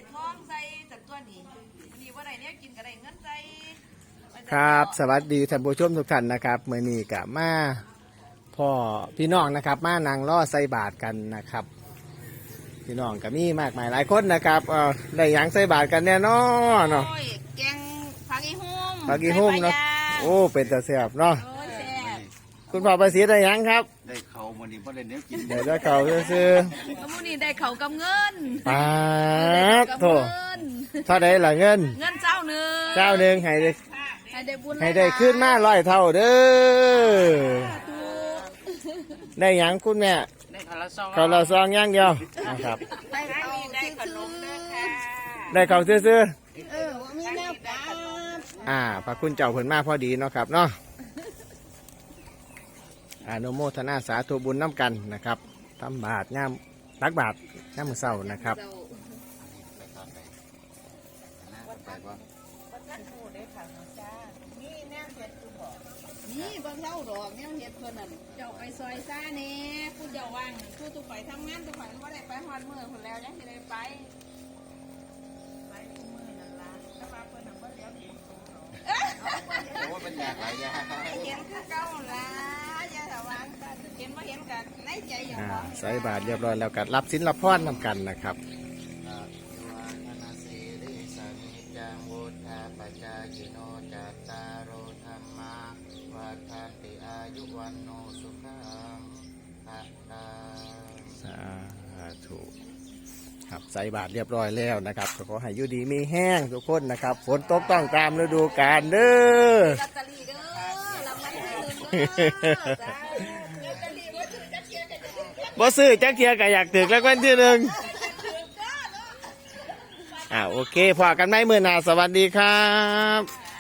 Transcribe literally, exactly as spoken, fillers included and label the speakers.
Speaker 1: ท้องใส่สัตว์ตัวนี้นี่ว่าไรเนี่ยกินกับไรเงินใส่
Speaker 2: ครับสวัสดีท่านผู้ชมทุกท่านนะครับเมื่อนี้กับมาพ่อพี่น้องนะครับมานางล่อใส่บาทกันนะครับพี่น้องก็มีมากมายหลายคนนะครับเออได้หยังใส่บาทกันแน่นอนเนาะ
Speaker 1: โอ้ยแกงผักอีหุ่ม
Speaker 2: ผักอีหุ่มเนาะโอ้เป็นตาแซ่บเนาะ
Speaker 1: โอ้ยแซ่บ
Speaker 2: คุณพ่อประสิทธิ์ได้หยังครับ
Speaker 3: ได้เขาวันนี้เพราะได้เนื้อกิน
Speaker 2: เดี๋ยวจะเขาซื้อ
Speaker 1: แล้วมื้อนี้ได้เขาวกับเงิน
Speaker 2: ๆปาด
Speaker 1: กับ
Speaker 2: โถ
Speaker 1: เงิน
Speaker 2: เท่าไดล่ะเงิน
Speaker 1: เงินเจ้าหนึ่ง
Speaker 2: เจ้าหนึ่งให้ได้
Speaker 1: ให้ได้บุญ
Speaker 2: ให้ได้ขึ้นมาร้อยเท่าเด้อ
Speaker 1: ถูก
Speaker 2: ได้หยังคุณแม่
Speaker 3: ได้เขาละซอง
Speaker 2: เขาเราซองอย่างเดียวนะครับ
Speaker 1: ได้เขาได้ขนมเด้อค่ะ
Speaker 2: ได้เขาซื้อ
Speaker 1: เออว่ามีแนวกับ
Speaker 2: ๆอ่าพระคุณเจ้าเพิ่นมาพอดีเนาะครับเนาะอนุโมทนาสาธุบุญน้ำกันนะครับทำบาทย่ามตักบาทย่ามมือเศร้านะครับ
Speaker 1: นี่บางเล่าดอกเนี่ยเฮ็ดเพิ่นน่ะเจ้าไปซอยซ่าแน่ผู้เจ้าว่างผู้ตุกไปทำงานตุกไปว่าได้ไปฮอดมื้อพุ่นแล้วยังสิได้ไปไปทุกมื้อนั่นล่ะแต่ว่าเพิ่นน่ะบ่เลี้ยวเห็นตัวเนาะ
Speaker 3: โอ้เป็นอยากหลายอย่าง
Speaker 1: เห็นคือเก่าล่ะอย่าถาวางกันเห็นบ่เห็นกันในใจอย่าง
Speaker 2: อ่า
Speaker 1: ของ
Speaker 2: ใส่บาทเรียบร้อยแล้วก็รับสินรับพรนำกันนะครับ
Speaker 3: จังวุฒาปัจจายิโนจัตตารโอธรรมาวัฏันติอายุวันโนสุขังภะลัง
Speaker 2: สาธุครับใส่บาทเรียบร้อยแล้วนะครับก็ขอให้อยู่ดีมีแห้งทุกคนนะครับฝนตกต้องตามฤดูกาลเด้อ
Speaker 1: ลอตเตอรี่เด้อรางวัลที่หนึ่งเด้อจ้าลอตเตอรี่บ่ถือจะเชียร์กันจะ
Speaker 2: บ่ซื้อจักเทียก็อยากถึกแล้ววันที่หนึ่งอ่าโอเคพอกันไหมมื้อหน้าสวัสดีครับ